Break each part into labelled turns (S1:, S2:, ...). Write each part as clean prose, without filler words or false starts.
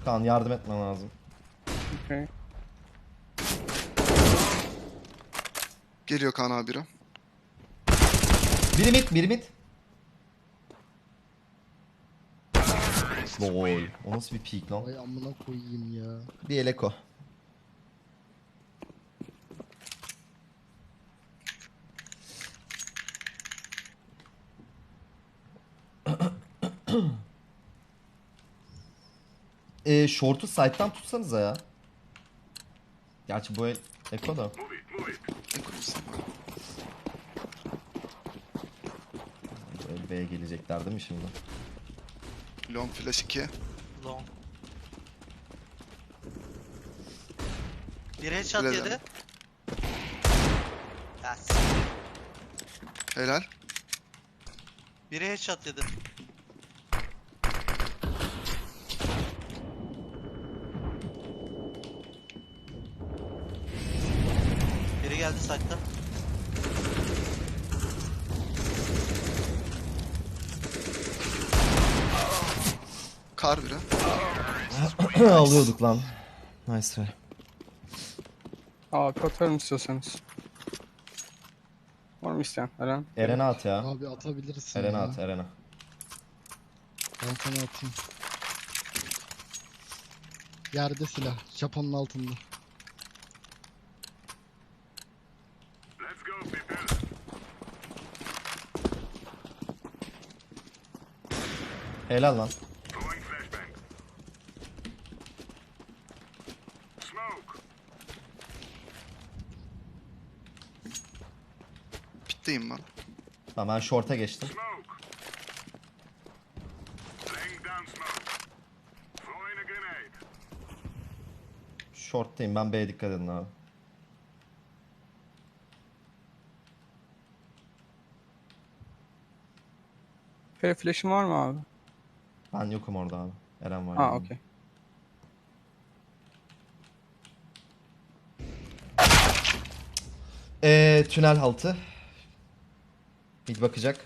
S1: Kaan yardım etmen lazım.
S2: Okay.
S3: Geliyor Kaan abi biri.
S1: Biri mid, biri mid. Lol. O nasıl bir peek lan?
S4: Vay amına koyayım ya.
S1: Bir eleko. Short'u side'dan tutsanıza ya. Gerçi bu el eko da.
S3: Ne kurulsun?
S1: Bu el B'ye gelecekler değil mi şimdi?
S3: Long flash 2.
S5: Long. Bir headshot
S3: Öyle
S5: yedi.
S3: de.
S5: Yes.
S3: Helal.
S5: Biri headshot yedi. Biri geldi site'ta.
S3: Kar biri.
S1: Alıyorduk lan. Nice try.
S2: Abi atarım istiyorsanız. Var mı isteyen? Eren?
S1: Eren'e at ya.
S4: Abi atabilirsin
S1: Eren'e
S4: ya.
S1: at, Eren'e.
S4: Ben sana atayım. Yerde silah. Japonun altında.
S1: Helal lan.
S3: Pitteyim ben.
S1: Tamam ben short'a geçtim. Short'tayım ben, B'ye dikkat edin abi.
S2: Fere flash'ın var mı abi?
S1: Ben yokum orada abi. Eren var.
S2: Ha
S1: yanımda.
S2: okey.
S1: Tünel altı. Mid bakacak.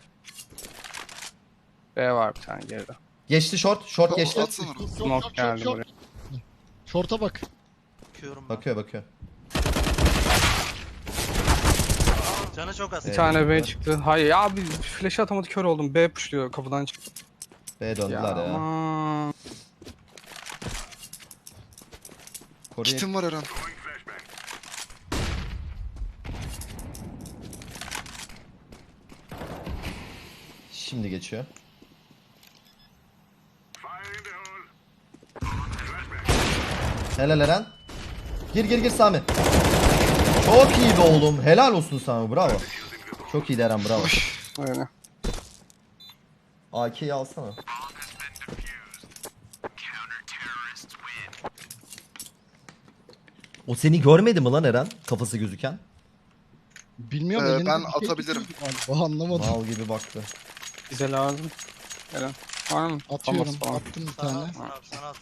S2: B var bir tane geride.
S1: Geçti short. Short geçti.
S3: Atsana onu.
S2: Smoke geldi buraya.
S4: Şorta bak.
S5: Bakıyorum ben.
S1: Bakıyor.
S5: Canı çok az.
S2: Bir
S1: Evet.
S2: tane B çıktı. Hayır ya abi flash'ı atamadı kör oldum. B pushluyor kapıdan çıktı.
S1: B'ye döndüler ya.
S2: Aman.
S1: Koruyor.
S3: Kitim var Eren.
S1: Şimdi geçiyor. Helal Eren. Gir Sami. Çok iyi be oğlum. Helal olsun Sami. Bravo. Çok iyi Eren, bravo.
S2: Öyle.
S1: AK'yi alsana. O seni görmedi mi lan Eren? Kafası gözüken.
S4: Bilmiyorum
S3: Ben
S4: elinde bir şey
S3: atabilirim.
S4: tutuyordu galiba, anlamadım.
S1: Mal gibi baktı.
S2: Bize lazım. Eren. Var mı?
S4: Atıyorum.
S2: Famas falan.
S4: Attım bir
S5: Sana
S4: tane.
S5: at, sana at, sana at.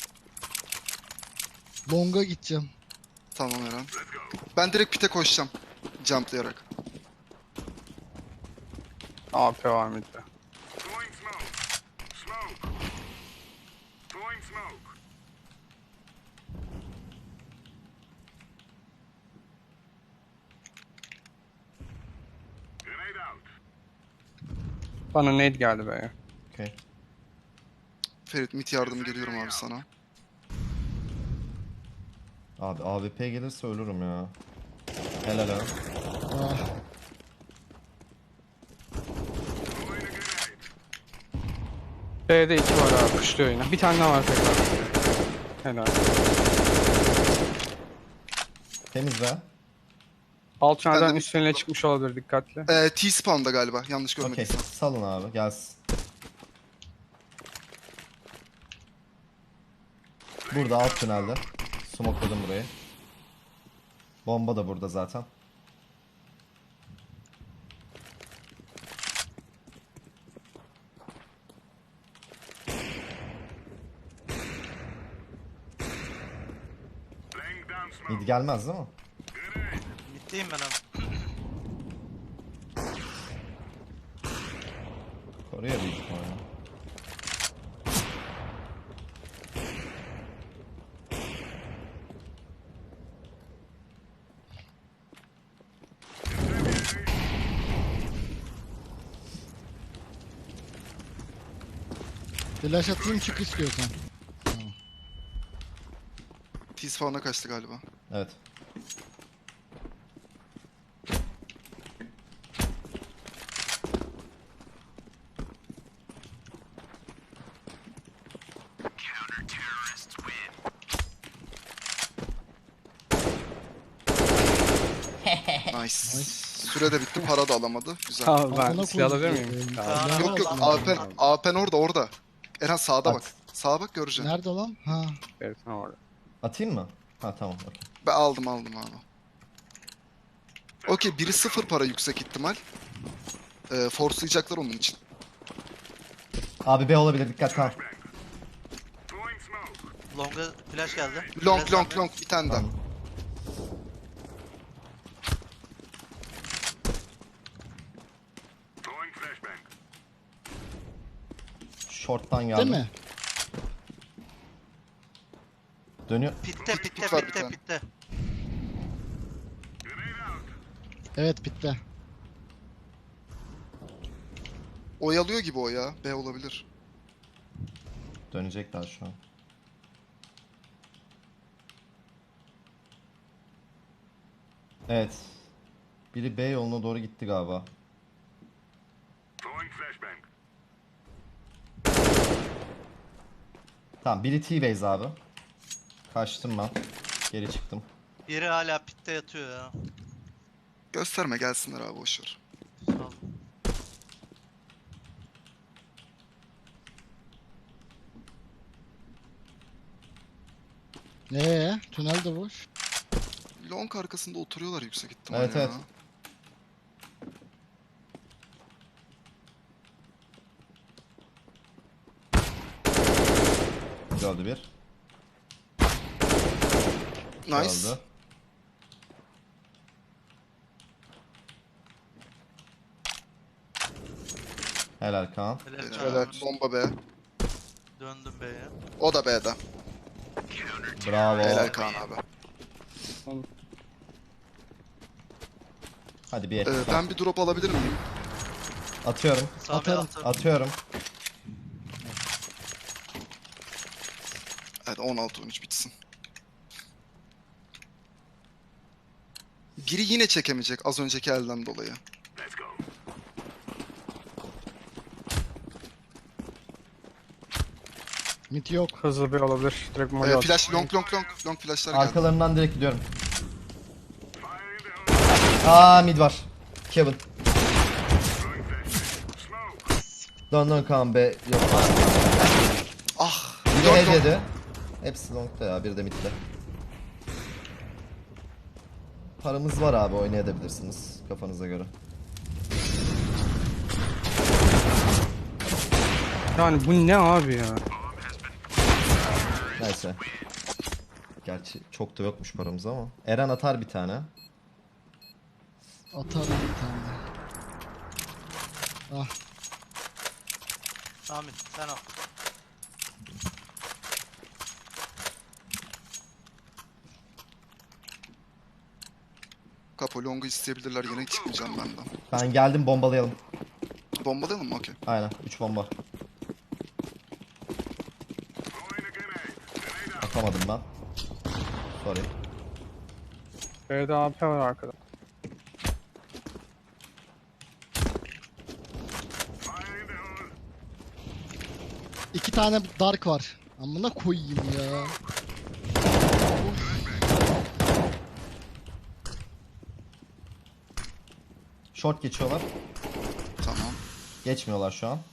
S4: Long'a gideceğim.
S3: Tamam Eren. Ben direkt pite koşacağım. Jumplayarak.
S2: AP var mıydı? Bana nade geldi be.
S1: Okay.
S3: Ferit mid yardım geliyorum abi sana.
S1: Abi AWP gelirse ölürüm ya. Helal Eren.
S4: Ah,
S2: B'de 2 var abi pushluyor yine. Bir tane daha var tekrar. Helal.
S1: Temiz be.
S2: Alt tünelden
S3: Ben de-
S2: üstüne çıkmış olabilir dikkatli.
S3: T-spawn'da galiba. Yanlış
S1: Okey.
S3: görmediysem.
S1: Salın abi, gelsin. Burada alt tünelde. Smokeladım burayı. Bomba da burada zaten. Mid gelmez değil mi?
S5: Bittiyim ben abi.
S1: Koruyor büyük ihtimalle.
S4: Flash atayım çık istiyorsan.
S3: T-spawn'a kaçtı galiba.
S1: Evet.
S3: Nice. Süre de bitti, para da alamadı. Güzel.
S2: Abi ben
S4: Amına
S2: silah alabilir
S4: koyayım.
S2: miyim?
S5: Kaan
S2: Abi.
S3: Yok yok,
S5: Allah'ım.
S3: AP'n orada. Eren sağda
S1: At.
S3: bak. Sağa bak göreceksin.
S4: Nerede lan? Ha.
S2: Evet, tamam orada.
S1: Atayım mı? Ha tamam. Okey.
S3: Ben aldım abi. Okey, biri 0 para yüksek ihtimal. Forcelayacaklar onun için.
S1: Abi B olabilir, dikkat tamam.
S5: Long'a flash geldi.
S3: Long
S5: Flash
S3: long
S5: geldi.
S3: long bir tane daha.
S1: Tamam. Short'tan geldi.
S4: Değil mi?
S1: Dönüyor.
S5: Pitte
S3: Pit
S5: pitte
S3: var bir
S5: pitte
S3: tane.
S5: pitte.
S4: Evet bitti.
S3: Oyalıyor gibi o ya. B olabilir.
S1: Dönecekler şu an. Evet. Biri B yoluna doğru gitti galiba. Tamam, biri T-base abi. Kaçtım ben. Geri çıktım.
S5: Biri hala pitte yatıyor ya.
S3: Gösterme, gelsinler abi, boşver.
S5: Sağ ol.
S4: Tünel de boş.
S3: Long arkasında oturuyorlar yüksek ihtimal
S1: Evet,
S3: ya.
S1: evet. Öldü bir.
S3: Nice.
S1: Öldü. Helal Kaan.
S5: Helal
S3: Helal.
S5: Kaan.
S3: Bomba B.
S5: Döndüm B'ye.
S3: O da B'de.
S1: Bravo.
S3: Helal Kaan abi.
S1: Hadi bir et.
S3: Ben bir drop alabilir miyim?
S1: Atıyorum.
S5: Sami
S4: Atarım.
S5: attı.
S1: Atıyorum.
S3: Evet, 16-13 bitsin. Biri yine çekemeyecek az önceki elden dolayı.
S4: Mid yok.
S2: Hızlı bir olabilir. Direkt molly
S3: Flash long flashlar geldi.
S1: Arkalarından direkt gidiyorum. Aa, mid var. Kevin. Dön Kaan be. Yok.
S3: Ah.
S1: Biri
S3: Long,
S1: head
S3: long.
S1: yedi. Hepsi long'da ya. Biri de midde. Paramız var abi, oynayabilirsiniz kafanıza göre.
S2: Yani bu ne abi ya?
S1: Neyse. Gerçi çok da yokmuş paramız ama. Eren atar bir tane.
S4: Atarım bir tane. Ah.
S5: Sami sen al.
S3: Kapo long'u isteyebilirler, yine çıkmayacağım benden.
S1: Ben geldim, bombalayalım.
S3: Bombalayalım mı? Okey.
S1: Aynen, 3 bomba. Atamadım ben. Sorry.
S2: B'de AP var arkada.
S4: İki tane dark var. Amına koyayım ya.
S1: Short geçiyorlar.
S3: Tamam.
S1: Geçmiyorlar şu an.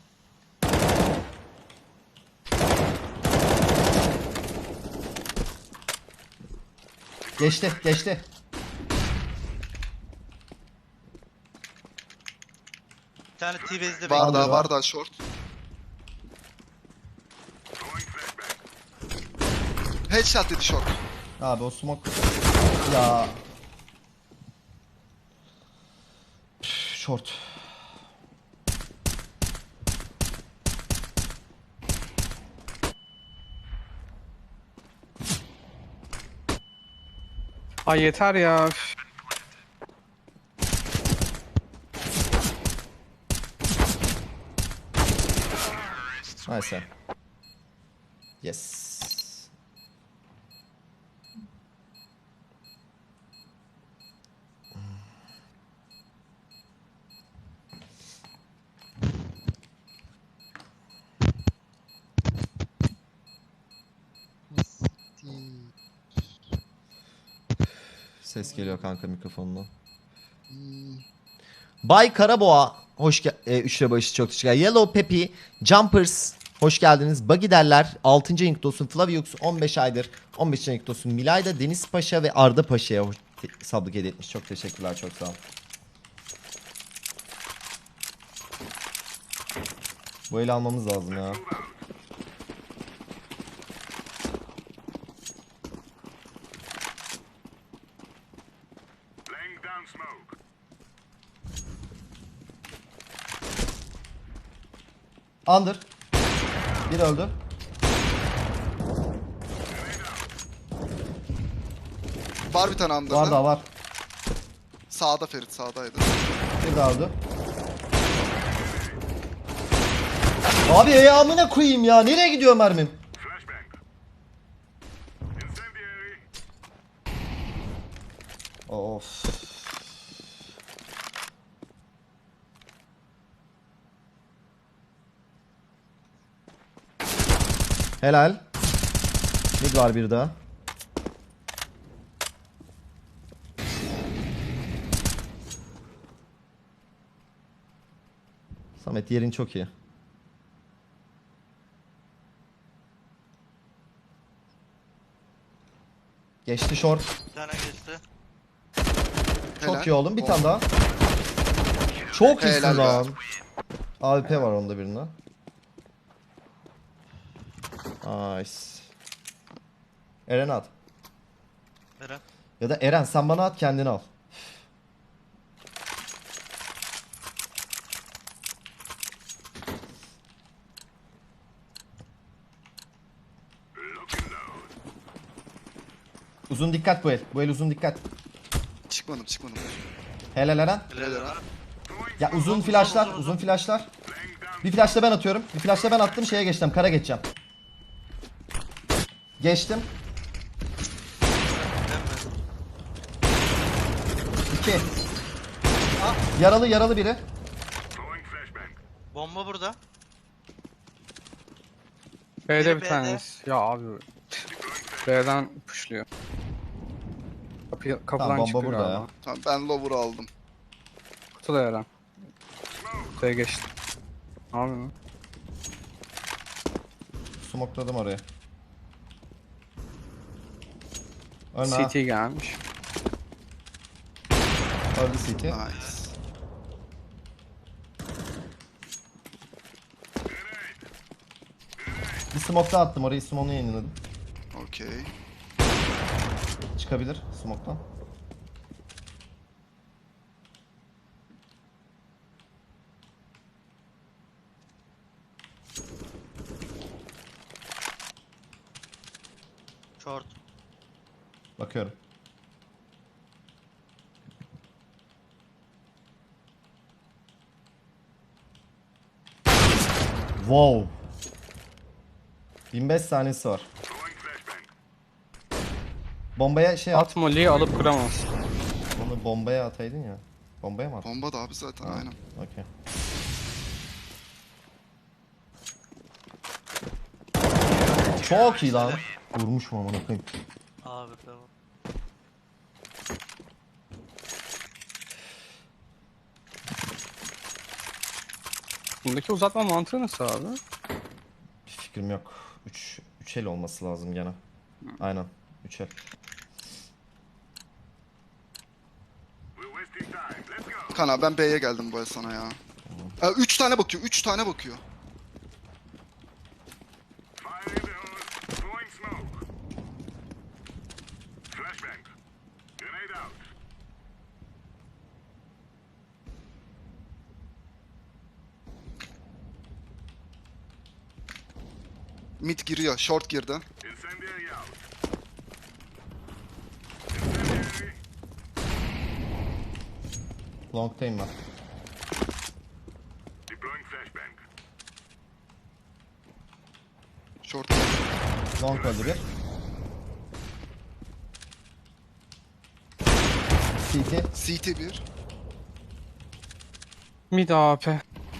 S1: Geçti, geçti.
S5: Bir tane T-Base'de
S3: Var
S5: bekliyor.
S3: daha, var daha short. Headshot dedi short.
S1: Abi o smoke... Ya... Short.
S2: Ay yeter ya. Üf.
S1: Nice. Yes. Ses geliyor kanka mikrofondan. Bay Karaboğa hoş 3 lira başı çok teşekkürler. Yellow Peppy, Jumpers hoş geldiniz. Buggy derler 6. ayın olsun. Flaviux 15 aydır 15. ayın olsun. Milayda Deniz Paşa ve Arda Paşa'ya sablık hediye etmiş. Çok teşekkürler, çok sağ olun. Bu eli almamız lazım ya. Under. Bir öldü.
S3: Var bir tane
S1: Var
S3: andırda.
S1: daha var.
S3: Sağda Ferit, sağdaydı.
S1: Bir daha öldü. Abi ayağımına koyayım ya. Nereye gidiyor mermim? Of. Helal. Mid var bir daha. Samet yerin çok iyi. Geçti short.
S5: Bir tane geçti.
S1: Çok
S3: Helal.
S1: iyi oğlum. Bir tane daha. Çok iyisin
S3: Helal be.
S1: lan. AWP var onda birinde. Nice. Eren at.
S5: Eren.
S1: Ya da Eren sen bana at, kendini al. Uzun dikkat bu el. Bu el uzun dikkat.
S3: Çıkmadım.
S1: Helal Eren.
S5: Helal Eren.
S1: Ya uzun flashlar, uzun flashlar. Bir flash da ben atıyorum. Bir flash da ben attım, şeye geçtim. Kara geçeceğim. Geçtim. 2. Yaralı biri.
S5: Bomba burada.
S2: B'de
S5: Biri
S2: bir
S5: B'de.
S2: tanesi. Ya abi. B'den pushluyor. Kapıdan
S1: Tamam, bomba
S2: çıktı
S1: burada
S2: galiba.
S1: ya.
S3: Tamam, ben lower'ı aldım.
S2: Kutu da Eren. Kutuya geçti. Ne yapıyorsun?
S1: Smokladım oraya. Ölme ha.
S2: CT gelmiş.
S1: Öldü CT.
S3: Nice.
S1: Bir smoke daha attım orayı. Smoke'unu yayınladım.
S3: Okey.
S1: Çıkabilir smoke'tan.
S5: Short.
S1: Bakıyorum. Wow. 25 saniyesi var. Bombaya şey at.
S2: At molly'yi alıp kıramaz.
S1: Onu bombaya ataydın ya. Bombaya mı at?
S3: Bomba da abi zaten, aynen.
S1: Okey. Çok iyi lan. Vurmuş mu amına koyayım.
S5: Abi tamam.
S2: Bundaki uzatma mantığı nasıl abi?
S1: Bir fikrim yok. 3 el olması lazım gene. Aynen. 3 el.
S3: Kana ben B'ye geldim bu el sana ya. 3 tane bakıyor, 3 tane bakıyor. Mid giriyor, short girdi.
S1: Long time var.
S3: Short.
S1: Long öldü bir. CT.
S3: CT 1.
S2: Mid AP.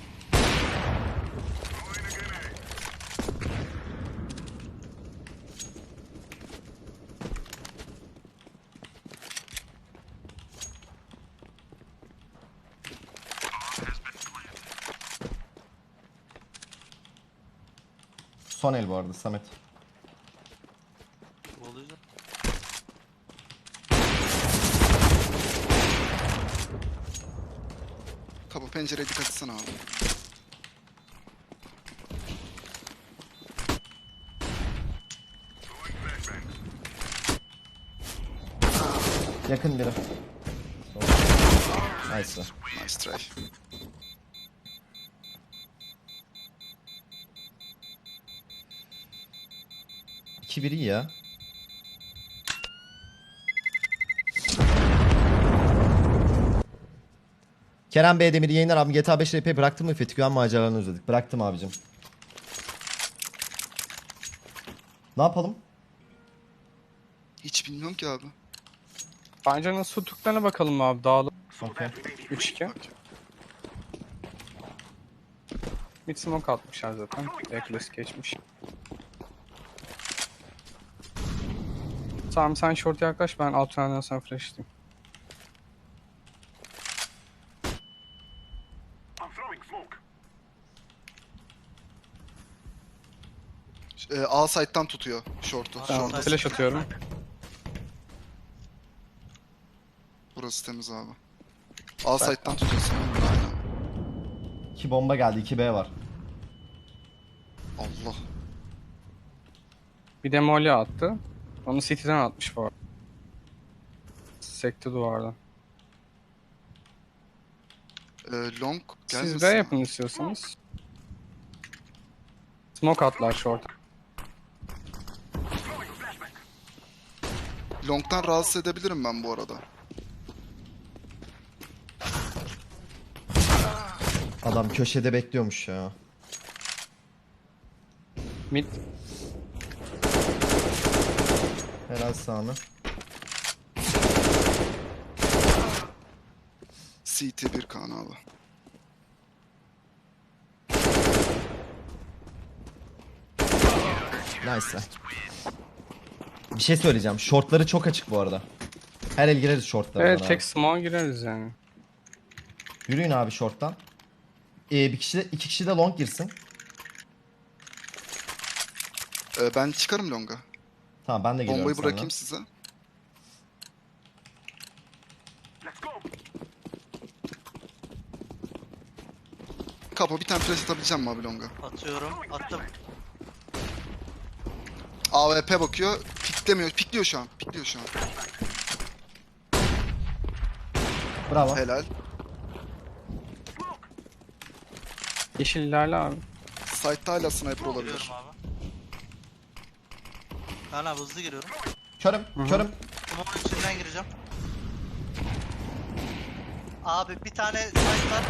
S1: Son el bu arada Samet.
S5: Oluyor.
S3: Kapı pencereye dikkat etsene abi.
S1: Yakın biri. Nice.
S3: Nice try.
S1: İki biri iyi ya. Kerem Bey Demir yayınlar abi GTA 5 RP bıraktın mı? Fethi Güven maceralarını özledik. Bıraktım abicim. Ne yapalım?
S3: Hiç bilmiyorum ki abi.
S2: Bence nasıl tuttuklarına bakalım abi. Dağılı.
S1: Okey.
S2: 3-2. Mid smoke atmışlar zaten. Backlist geçmiş. Tamam sen short yaklaş, ben alt tünelden sana flash atayım.
S3: A side'dan tutuyor short'u.
S2: Tamam,
S3: Short'u.
S2: flash atıyorum.
S3: Burası temiz abi. A side'dan tutuyorsun. Aynen.
S1: 2 bomba geldi. 2B var.
S3: Allah.
S2: Bir de molly attı. Onu city'den atmış bu arada. Sekti duvardan.
S3: Long gelmesin.
S2: Siz B yapın istiyorsanız. Smoke atlar short.
S3: Long'dan rahatsız edebilirim ben bu arada.
S1: Adam köşede bekliyormuş ya.
S2: Mid.
S1: Helal sağını.
S3: CT 1 Kaan abi.
S1: Nice. Bir şey söyleyeceğim. Shortları çok açık bu arada. Her el gireriz shortlara.
S2: Evet, tek smoke gireriz yani.
S1: Yürüyün abi shorttan. Bir kişi de, iki kişi de long girsin.
S3: Ben çıkarım Long'a.
S1: Tamam ben de geliyorum
S3: Bombayı
S1: seninle.
S3: bırakayım size. Kapo bir tane flash atabileceğim mi abi Long'a?
S5: Atıyorum. Attım.
S3: AWP bakıyor. Piklemiyor. Pikliyor şu an. Pikliyor şu an.
S1: Bravo.
S3: Helal.
S2: Yeşil ilerle abi.
S3: Side'da hala sniper olabilir.
S5: Giriyorum abi. Kaan abi hızlı giriyorum.
S1: Körüm. Körüm.
S5: Smoke'un içinden gireceğim. Abi bir tane site var.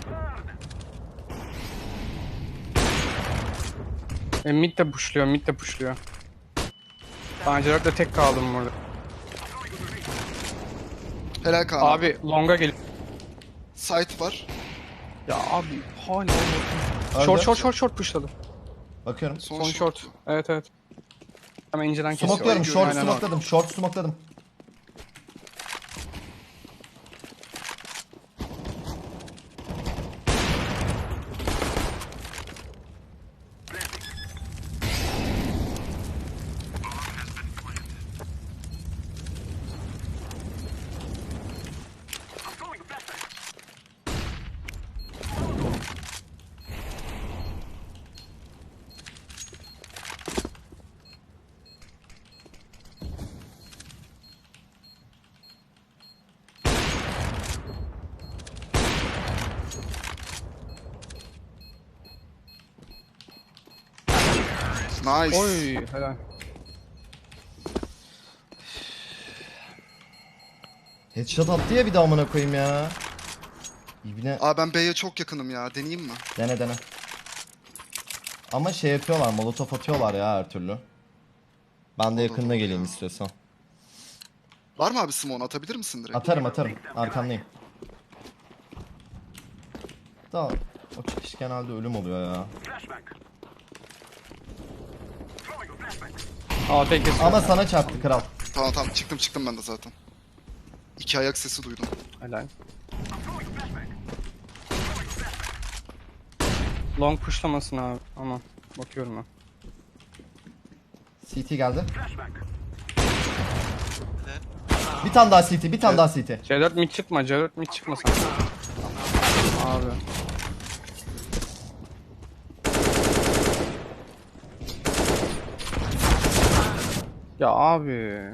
S2: Mid de pushluyor, mid de pushluyor. Ben Cerrah'la tek kaldım burada.
S3: Helal Kaan abi.
S2: Abi longa gel.
S3: Site var.
S2: Ya abi hala
S1: Öldü.
S2: short pushladı.
S1: Bakıyorum.
S3: Son,
S2: Son short. Evet evet. Hemen inceden kesiyor.
S1: Smokluyorum. Short
S2: Aynen o.
S1: smokladım. Short smokladım.
S3: Nice.
S2: Oy helal.
S1: Headshot attı ya bir de amına koyayım ya. İbne.
S3: Abi ben B'ye çok yakınım ya. Deneyeyim mi?
S1: Dene dene. Ama şey yapıyorlar, molotof atıyorlar ya her türlü. Ben de yakınına
S3: doğru
S1: geleyim
S3: ya.
S1: istiyorsan.
S3: Var mı abi Simon, atabilir misin direkt?
S1: Atarım. Arkandayım. Da o çıkış genelde ölüm oluyor ya.
S2: AP kesiyor.
S1: Ama sana çarptı kral.
S3: Tamam çıktım ben de zaten. 2 ayak sesi duydum.
S2: Helal. Long pushlamasın abi. Ama bakıyorum ben.
S1: CT geldi.
S5: Evet.
S1: Bir tane daha CT, bir tane daha CT.
S2: C4 mid çıkma, C4 mid çıkma sen. Abi. Ya abi.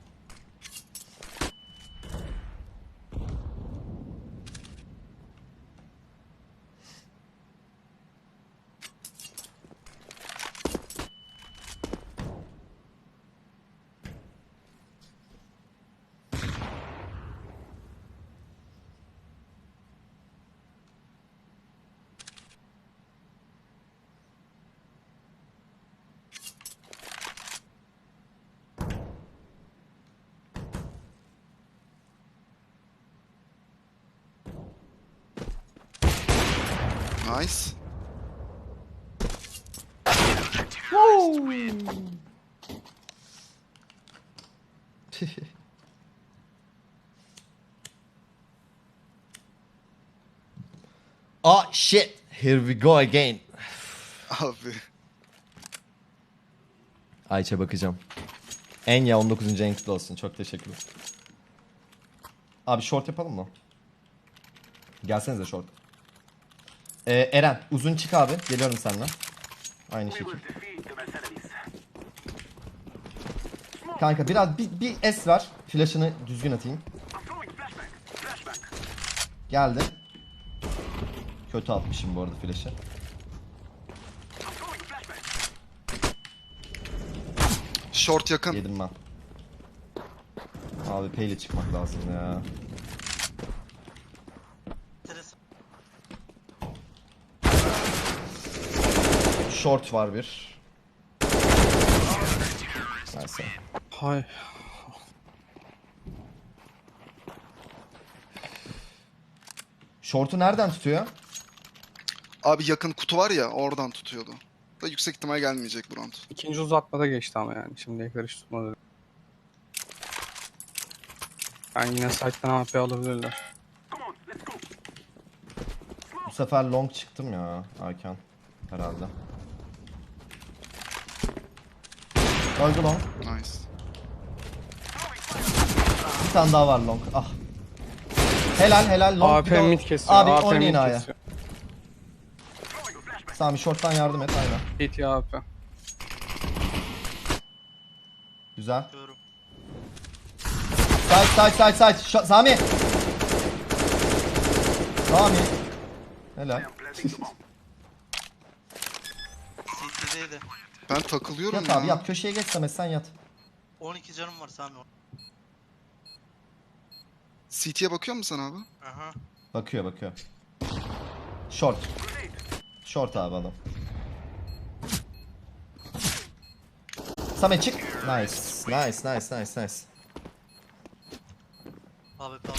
S3: Nice.
S1: Ah shit. Here we go again.
S3: Abi.
S1: Ayça bakacağım. Enya 19. en kutlu olsun. Çok teşekkürler. Abi short yapalım mı? Gelsenize short. Eren uzun çık abi. Geliyorum seninle. Aynı şekilde. Kanka biraz bir S var. Flash'ını düzgün atayım. Geldi. Kötü atmışım bu arada flash'ı.
S3: Short yakın.
S1: Yedim ben. Abi peyle çıkmak lazım ya.
S5: Enteresan.
S1: Short var bir. Neyse.
S2: Hay.
S1: Short'u nereden tutuyor?
S3: Abi yakın kutu var ya, oradan tutuyordu. Da yüksek ihtimal gelmeyecek bu round.
S2: İkinci uzatmada geçti ama yani. Şimdiye kadar hiç tutmadı. Ben yine site'den AP alabilirler.
S1: Bu sefer long çıktım ya Aykan. Herhalde. Öldü long.
S3: Nice.
S1: Bir tane daha var long. Ah. Helal long.
S2: AP
S1: Bir de
S2: mid kesiyor.
S1: Abi
S2: AP
S1: oynayın
S2: mid
S1: A'ya.
S2: kesiyor.
S1: Sami short'tan yardım et aynen.
S2: CT AP.
S1: Güzel.
S5: Diyorum.
S1: Side. Sami. Helal.
S5: CT'deydi.
S3: Ben takılıyorum
S1: Yat
S3: ya.
S1: abi yat. Köşeye geç Samet sen yat.
S5: 12 canım var Sami.
S3: CT'ye bakıyor musun sen abi?
S5: Aha.
S1: Bakıyor. Short. Short abi adam. Samet çık. Nice.
S5: Abi